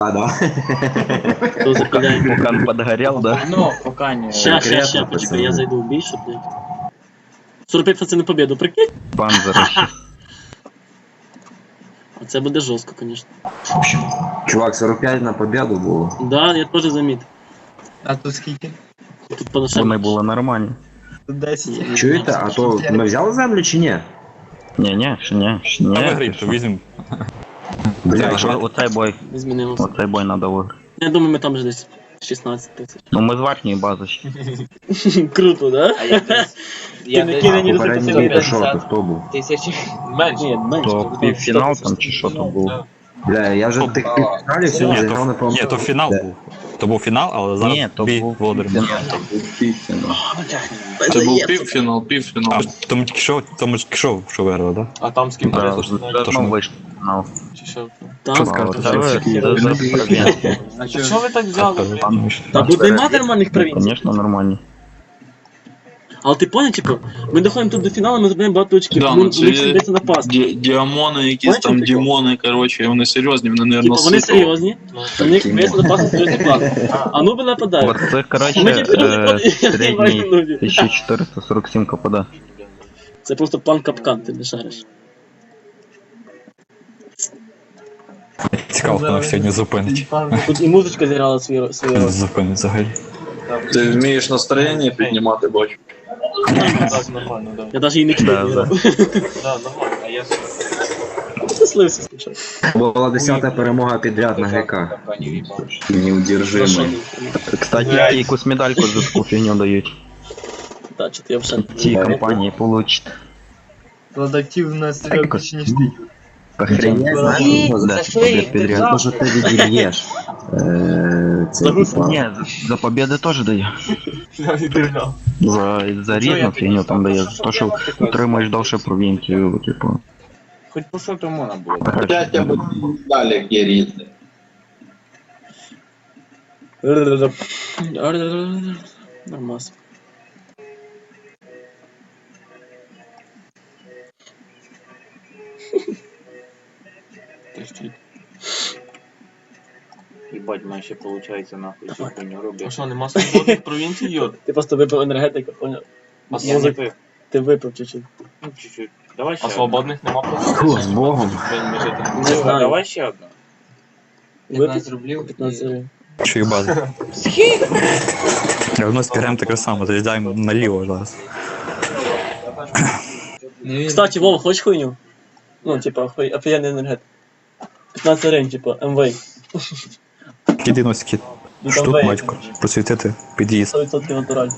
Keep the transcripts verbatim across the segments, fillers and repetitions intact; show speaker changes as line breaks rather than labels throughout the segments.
А, да.
Кто запыляет?
Вулкан подгорел, да?
Ну, пока не...
Ща, ща,
Конкретно,
ща, почекай,
пацаны.
я зайду в бій, щоб, блядь. сорок п'ять процентів на победу, прикинь?
Панзера ще.
А це буде жорстко, конечно.
Чувак, сорок п'ять на победу було.
Да, я теж замітив.
А тут скільки?
Тут поношення.
Вони були нормальні.
Тут десять.
Чуєте, а то ми взяли землю чи ні?
Ні, ні, ще ні, ще
А
ні.
вигріб, то візьмемо.
Бля,
О- Оцей бой,
Не змінилося.
оцей бой надо виграти.
Я думаю, ми там вже десь шістнадцять тисяч.
Ну ми з верхньої бази ще.
Круто, да?
А я десь... Я
не
десь...
кинь, ні,
попередній
сорок
бій
п'ять.
пішов, то хто був?
Тисячі. Менше.
Ні, менше.
То
там
півфінал
сто
там
тисяч.
чи що то було.
Бля, я вже в тих півфіналів сьогодні
Ні,
зіграв, не
то,
пам'ятаю.
ні, то фінал
Де?
був. То був фінал, але зараз
Ні, то
бій
був
Володимир.
півфінал. То був півфінал.
Це був півфінал, півфінал.
А, тому тільки що, тому тільки що, що виграли, да?
А там з ким
Да,
перейшло?
вже знову вийшов фінал.
Чи що?
Там,
Що скажете?
Це ви- це за провінцію.
А що ви так взяли? блін?
Та тут нема нормальних провінцій.
Звісно, нормальні.
Але ти поняв, типу, ми доходимо тут до фіналу, ми забираємо багато очків.
Да,
Ну,
ну це
у них
є-
йдеться на пас.
Ді- Діамони, якісь
Бачите,
там
прикол?
дімони, коротше, вони серйозні, вони,
Типу,
наверное,
вони серйозні, у них йдеться на пас серйозний план. А ну би нападають.
От це, коротше,
Ми тільки
е,
розходимо, я
середній
бачу нулі.
тисяча чотириста сорок сім КПД.
Це просто план капкан, ти не шариш.
Цікаво, хто нас сьогодні зупинить.
Тут і музичка зіграла свою свою роль.
Зупинить взагалі.
Ти вмієш настроєння піднімати, бачу.
Так, нормально, да.
Я навіть її не чую.
Да, да.
Да, нормально. А я...
Щаслився спочатку.
Була десята перемога підряд на ГК. Неудержимий.
Кстати, якусь медальку за таку фігню дають.
Так, чи ти взагалі.
В цій компанії получите.
Продактивна стріла більше, ніж ти.
Охренеть, знаєш, що
За
за
що
побед
їх
підряд.
держав?
Може ти відільєш. Е, Це
Загрузка.
типа.
Ні, за- за победи теж дає.
Я не держав.
За, за різну фігню там дає. За те, що утримуєш довше провінцію, типу.
Хоч по що тому можна було.
Далі є різне.
Нормас.
Їбать, мене ще виходить нахуй цю хуйню роблять.
А що, нема свободних провінцій, йод?
Ти просто випив енергетику, поняв?
А я не пив.
Ти випив чуть-чуть.
Ну, чуть-чуть. Давай ще
А свободних нема провінцій?
Фу, з Богом.
одну.
Не знаю.
Давай ще одну.
Випив
рублів.
п'ятнадцять гривень.
Що їх база? Равно зберемо таке саме, заїжджаємо наліво зараз.
Кстати, Вова, хочеш хуйню? Ну, типа, хуй, офігенний енергетик. п'ятнадцять гривень, типа, МВ.
Киди носики.
Ну,
Штук,
МВ.
батько. Просвітити під'їзд.
сто відсотків натуральний.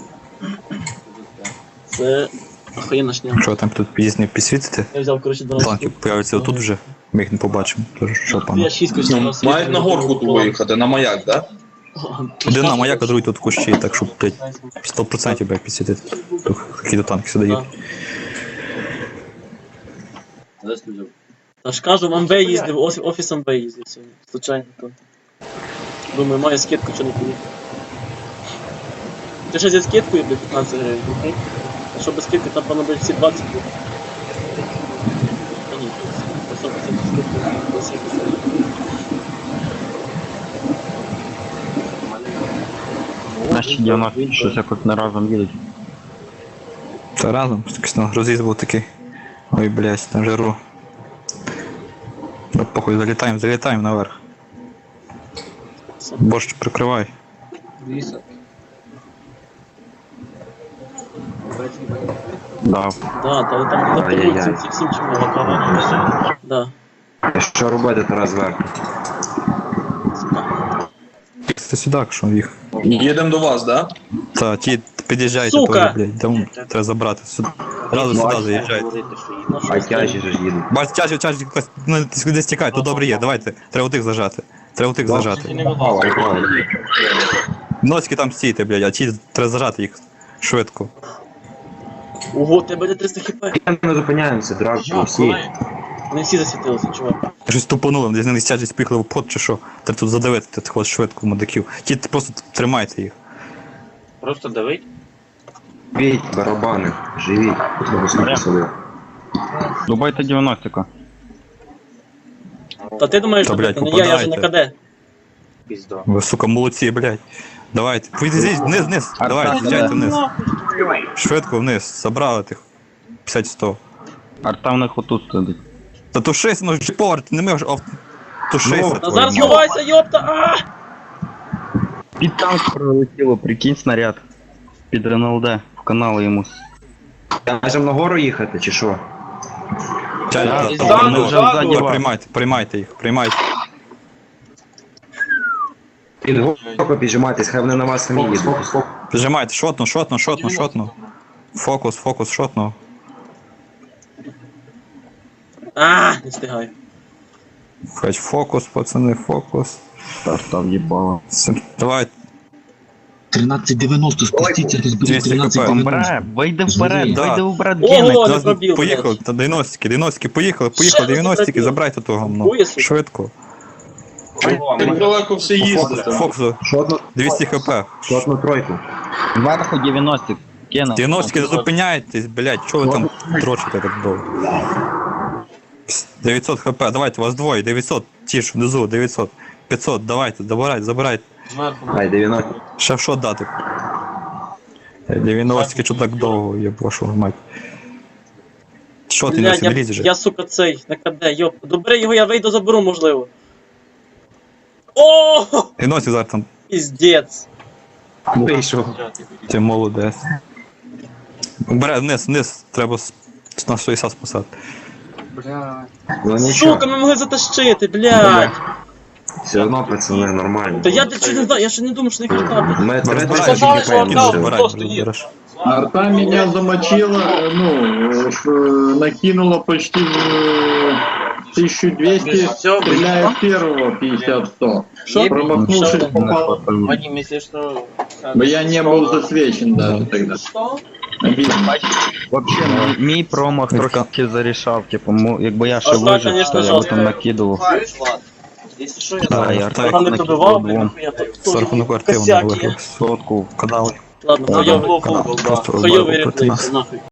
Це охуєнна шня.
Що там тут під'їзд не підсвітити?
Я взяв, коротше, дванадцять.
Планки появляться отут вже. Ми їх не побачимо. Тож що
Я
пане?
шість кучів
Ну, мають на горку тут виїхати, на маяк, да?
Один на маяк, а другий тут в кущі, так що, блядь, сто відсотків блядь, підсвітити. Тут такі до танки сюди їдуть.
Та ж кажу, в МВ їздив, оф- офіс МВ їздив сьогодні. Случайно то. Думаю, маю скидку, що не поїхав. Ти ще зі скидкою, блядь, п'ятнадцять гривень, окей? А що без скидки, там певно, блядь, всі двадцять буде. Та ні, по сто відсотків скидка, двадцять.
Наші дев'яносто щось якось не разом їдуть.
Та разом, якийсь там роз'їзд був такий. Ой, блядь, там жару. Да похуй, залітаємо, залітаємо наверх. Борщ прикривай.
Да.
Да, та ви там на
Ай-яй-яй.
полиці, всі всім чим молока. Да.
Що робити Тарас зверху?
Це сюди, що їх.
Їдемо до вас, да?
Та, ті під'їжджайте
Сука!
теж, блядь, там треба забрати. Сюди. Разу сюди заїжджайте.
Ну, що
А
з
тяжі
тим?
ж їдуть.
Бач, тяжі, тяжі, ну, десь тікай, тут добре є, давайте. Треба тих зажати. Треба тих зажати. Носки там стійте, блядь, а ті треба зажати їх швидко.
Ого, тебе де триста хп.
Ми зупиняємося, драк, всі.
Вони всі засвітилися, чувак.
Щось тупануло, десь не тяжість поїхали в пот чи що. Треба тут задавити тих от швидко мудаків. Ті просто тримайте їх.
Просто давить.
Бій, барабани, живіть. Треба слухати собі.
Дубайте дев'яносто.
Та ти думаєш,
Та,
що
блядь,
ти, не я, я вже на
попадайте.
КД.
Пізда.
Ви, сука, молодці, блядь. Давайте. Вийдіть вниз, вниз. Давайте, з'їжджайте вниз. Швидко вниз. Забрали тих. п'ятдесят сто.
Арта в них отут сидить.
Та тушися, ну вже повар, ти не мив, а тушися.
Ну,
Та
твою
зараз
мать.
ховайся, йопта! А!
Під танк пролетіло, прикинь снаряд. Під РНЛД, в канал йому.
Можемо нагору їхати, чи що?
Чай,
Да,
та-
ззаду,
та- ну,
ззаду
та-
вас.
Приймайте, приймайте їх, приймайте.
Під горку піджимайтесь, хай вони на вас самі їдуть.
Піджимайте, шотну, шотну, шотну, шотну. Фокус, фокус, шотну.
А, не встигаю.
Хоч фокус, пацани, фокус.
Арта в'їбала.
Це- Давай,
тринадцять дев'яносто, спустіться, розберіть
двісті
тринадцять
хп.
дев'яносто.
Бре, вийди вперед,
Да.
вийди вперед,
Ого!
Генек.
не
зараз
пробив,
поїхали,
блядь.
та дев'яностки, дев'яностки, поїхали, поїхали,
Ще
дев'яностки,
запретив.
забирайте того гамно.
Хує, сука.
Швидко.
Так далеко все їздите.
Фокусу,
Шотну,
двісті хп.
шотну тройку.
Зверху дев'яносто. Генек.
дев'яностки, не зупиняйтесь, блядь, чого ви там дрочите так довго? дев'ятсот хп, давайте, вас двоє, дев'ятсот, ті ж внизу, дев'ятсот, п'ятсот, давайте, забирайте, забирайте.
Ай, дев'яносто.
Ще що дати? дев'яностки, що так довго, я вашу мать. Що ти не
Блядь, я,
лізь вже?
я, сука, цей, на КД, йоп. Добре його, я вийду, заберу, можливо. О,
дев'яностки зараз там,
піздець.
Вийшов.
ти молодець. Бере, вниз, вниз, треба с- на шістдесят спасати.
Ну нічого,
Сука, ми могли затащити, блядь.
все одно, пацани, нормально.
Та я ще не знаю, я ще не думав, що їх літати.
Ми три
Розбирай,
тисячі
сказали, що
чекаємо.
отдав.
все.
Розбирай, розбереш.
Арта меня замочила, ну, э, накинула почти э, тысячу двести, стреляя с первого пятьдесят сто.
Що?
Промахнувшись, попал,
Вадим, если что...
но я не был засвечен даже тогда. Обидно.
Вообще, мій, мій промах трохи зарішав, типу, мо- якби я ще
Арта,
вижив,
конечно,
то я би
жорстко.
там накидував.
Если что, я...
Да, я
Так,
Арта
Там не
накидував
добивав, блядь,
двом.
нахуя, то
За
теж
рахунок активно
косяки.
виграв.
Сотку.
Канали.
Ладно,
Канали,
хуйовий,
канали, просто
хуйовий
розбавили проти
реплей,
нас.
нахуй.